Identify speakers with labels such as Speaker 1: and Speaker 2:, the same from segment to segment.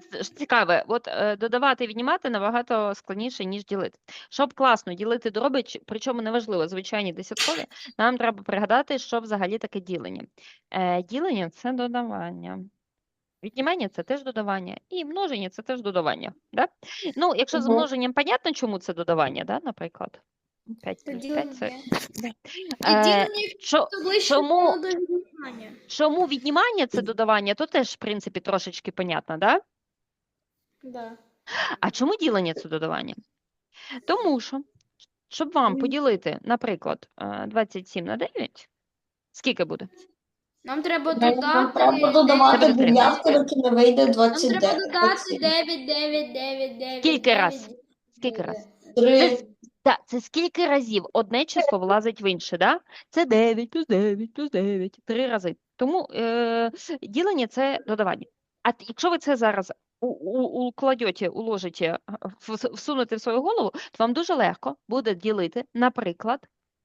Speaker 1: цікаве, от додавати і віднімати набагато складніше, ніж ділити. Щоб класно ділити дроби, причому неважливо, звичайні десяткові, нам треба пригадати, що взагалі таке ділення. Ділення – це додавання. Віднімання – це теж додавання. І множення – це теж додавання. Да? Ну, якщо з множенням, понятно, чому це додавання, да, наприклад. 5 плюс 5 – це... Чому віднімання – це додавання, то теж, в принципі, трошечки понятно, да?
Speaker 2: Да.
Speaker 1: А чому ділення – це додавання? Тому що, щоб вам поділити, наприклад, 27 на 9, скільки буде?
Speaker 2: Нам треба
Speaker 3: Нам
Speaker 2: додати...
Speaker 3: треба додавати
Speaker 1: Це буде три.
Speaker 3: дев'ятки, доки не вийде
Speaker 2: Нам
Speaker 3: 29.
Speaker 2: треба додати 9, 9, 9, 9.
Speaker 1: Скільки раз? Скільки раз?
Speaker 3: 3.
Speaker 1: Так, це скільки разів одне число влазить в інше, да? Це 9 плюс 9 плюс 9, 3 рази. Тому ділення – це додавання. А якщо ви це зараз укладете, уложите, всунете в свою голову, то вам дуже легко буде ділити, наприклад,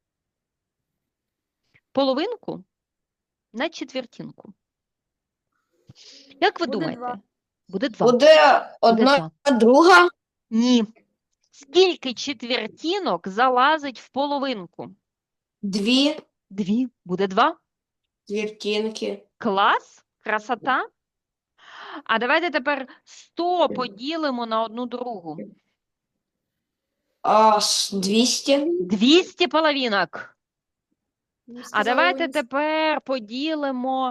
Speaker 1: половинку на четвертинку. Як ви
Speaker 2: Буде
Speaker 1: думаєте?
Speaker 2: два.
Speaker 1: Буде 2.
Speaker 3: Буде одна друга.
Speaker 1: Ні. Скільки четвертинок залазить в половинку?
Speaker 3: 2
Speaker 1: 2. Буде 2.
Speaker 3: четвертинки.
Speaker 1: Клас? Красота? А давайте тепер 100 поділимо на одну другу.
Speaker 3: 200.
Speaker 1: 200 половинок.
Speaker 2: Ми
Speaker 1: А
Speaker 2: сказали,
Speaker 1: давайте
Speaker 2: вони-
Speaker 1: тепер поділимо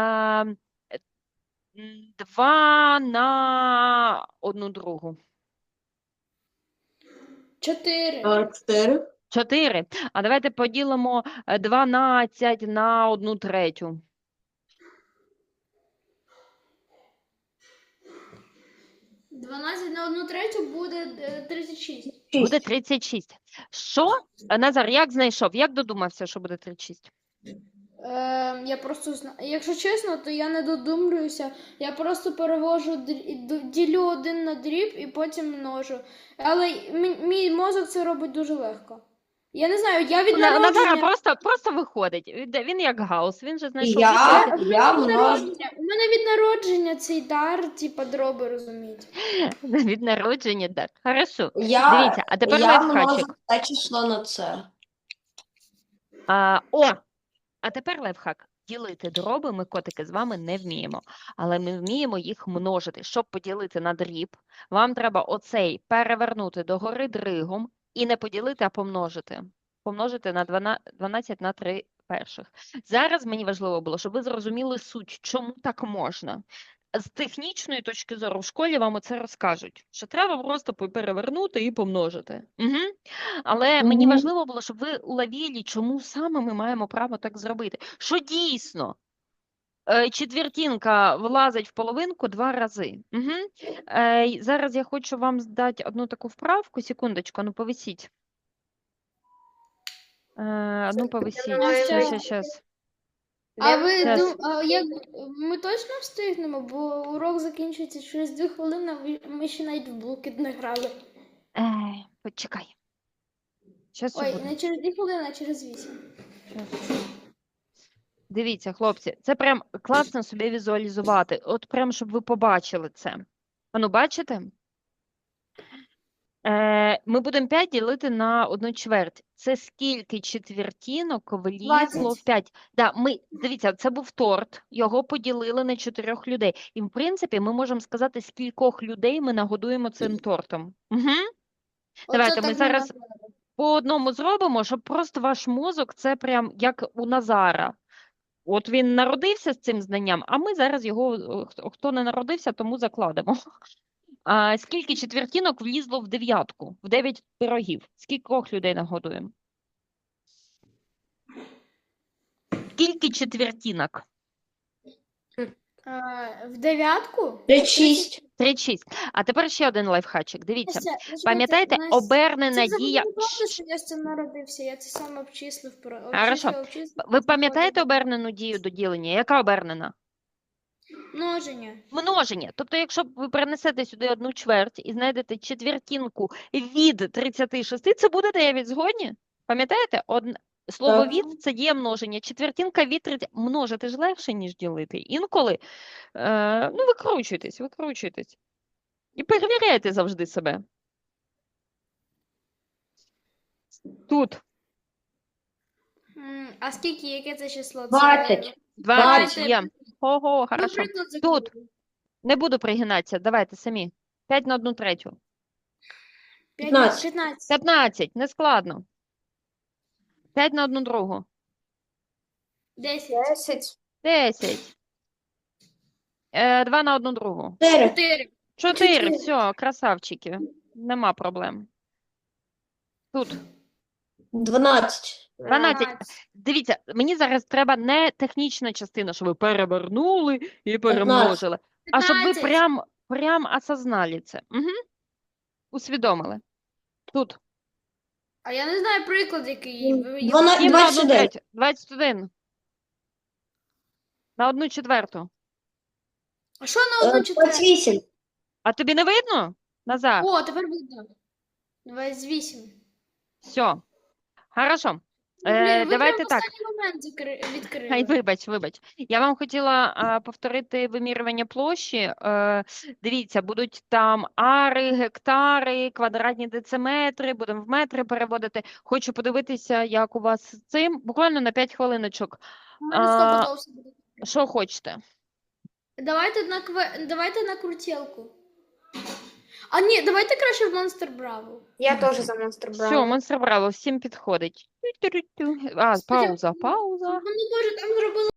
Speaker 1: 2 на одну другу.
Speaker 2: 4.
Speaker 3: 4.
Speaker 1: 4. А давайте поділимо 12 на одну третю.
Speaker 2: 12 на 1/3 буде 36.
Speaker 1: Буде 36. Що? Назар, як знайшов? Як додумався, що буде 36?
Speaker 2: Я просто якщо чесно, то я не додумлююся. Я просто перевожу, ділю 1 на дріб і потім множу. Але мій мозок це робить дуже легко. Я не знаю, я від
Speaker 1: Назара
Speaker 2: народження...
Speaker 1: просто виходить. Він як Гаус, він же знайшов
Speaker 3: Я
Speaker 1: відповідь.
Speaker 3: множу.
Speaker 2: У мене від народження цей дар, типа, дроби, розумієте.
Speaker 1: Від народження, так. Хорошо.
Speaker 3: Я
Speaker 1: Дивіться, а тепер
Speaker 3: множу
Speaker 1: лайфхачик.
Speaker 3: це число на це.
Speaker 1: А тепер лайфхак. Ділити дроби ми, котики, з вами не вміємо, але ми вміємо їх множити. Щоб поділити на дріб, вам треба оцей перевернути догори дригом і не поділити, а помножити. Помножити на 12 на 3 перших. Зараз мені важливо було, щоб ви зрозуміли суть, чому так можна. З технічної точки зору в школі вам оце розкажуть, що треба просто перевернути і помножити. Угу. Але мені важливо було, щоб ви уловили, чому саме ми маємо право так зробити. Що дійсно четвертинка влазить в половинку 2 рази. Угу. Зараз я хочу вам здати одну таку вправку. Секундочку, ну повисіть. Ну повисіть. Щас.
Speaker 2: А ви
Speaker 1: Щас.
Speaker 2: як ми точно встигнемо, бо урок закінчується через 2 хвилини, а ми ще навіть в блокет не грали.
Speaker 1: Почекай. Щас
Speaker 2: Ой,
Speaker 1: буде.
Speaker 2: не через 2 хвилини, а через 8.
Speaker 1: Дивіться, хлопці, це прям класно собі візуалізувати. От прям, щоб ви побачили це. Ану, бачите? Ми будемо 5 ділити на 1/4. Це скільки четвертинок влізло в 5? Да, дивіться, це був торт, його поділили на 4 людей. І, в принципі, ми можемо сказати, скількох людей ми нагодуємо цим тортом. Угу. Давайте ми зараз по одному зробимо, щоб просто ваш мозок, це прям як у Назара. От він народився з цим знанням, а ми зараз його, хто не народився, тому закладемо. Скільки четвертинок влізло в 9? В 9 пирогів. Скількох людей нагодуємо? Скільки четвертинок?
Speaker 2: В 9?
Speaker 3: 36.
Speaker 1: 36. А тепер ще один лайфхачик. Дивіться. Пам'ятаєте, обернена дія...
Speaker 2: Що я з цим народився, я це сам обчислив.
Speaker 1: Хорошо. Ви пам'ятаєте обернену дію до ділення? Яка обернена?
Speaker 2: Множення.
Speaker 1: Множення. Тобто, якщо ви перенесете сюди 1/4 і знайдете четвертинку від 36, це буде 9, згодні? Пам'ятаєте? Слово
Speaker 3: Так.
Speaker 1: від – це діє множення. Четвертинка від 30. Множити ж легше, ніж ділити. Інколи, викручуйтесь. І перевіряйте завжди себе. Тут
Speaker 2: А скільки, яке це число? Це
Speaker 3: 20.
Speaker 1: 20 є.
Speaker 2: Давайте.
Speaker 1: Ого,
Speaker 2: Ну,
Speaker 1: хорошо.
Speaker 2: приклад
Speaker 1: Тут.
Speaker 2: закрию.
Speaker 1: Не буду пригинатися, давайте самі. 5 на 1/3.
Speaker 3: 15.
Speaker 2: 15.
Speaker 1: 15, не складно. 5 на 1/2.
Speaker 2: 10.
Speaker 4: 10.
Speaker 1: 10. 2 на 1/2.
Speaker 3: 4.
Speaker 2: 4.
Speaker 1: 4, все, красавчики. Нема проблем. Тут
Speaker 3: 12.
Speaker 1: 12. Дивіться, мені зараз треба не технічна частина, що ви перевернули і перемножили, а щоб ви
Speaker 2: 15.
Speaker 1: прям осознали це. Угу. Усвідомили. Тут.
Speaker 2: А я не знаю приклад, який.
Speaker 3: 12.
Speaker 1: 7 на
Speaker 3: 21.
Speaker 1: 1/3. 21. На 1/4.
Speaker 2: А що на одну четверту?
Speaker 3: 28.
Speaker 1: А тобі не видно? Назар.
Speaker 2: О, тепер видно. 28.
Speaker 1: Все. Хорошо.
Speaker 2: Блін, ви
Speaker 1: Давайте
Speaker 2: прям
Speaker 1: так.
Speaker 2: останній момент відкрили.
Speaker 1: Ай, вибач. Я вам хотіла повторити вимірювання площі. Дивіться, будуть там ари, гектари, квадратні дециметри, будемо в метри переводити. Хочу подивитися, як у вас з цим. Буквально на 5 хвилиночок.
Speaker 2: У мене
Speaker 1: А,
Speaker 2: стопудово все буде.
Speaker 1: Що хочете?
Speaker 2: Давайте на крутілку. А ні, давайте краще в Monster Bravo.
Speaker 4: Я теж за Monster
Speaker 1: Все,
Speaker 4: Brawler.
Speaker 1: Монстр Браво, всім підходить. Тю-тю-тю. А, пауза.
Speaker 2: Ну, боже, там зробили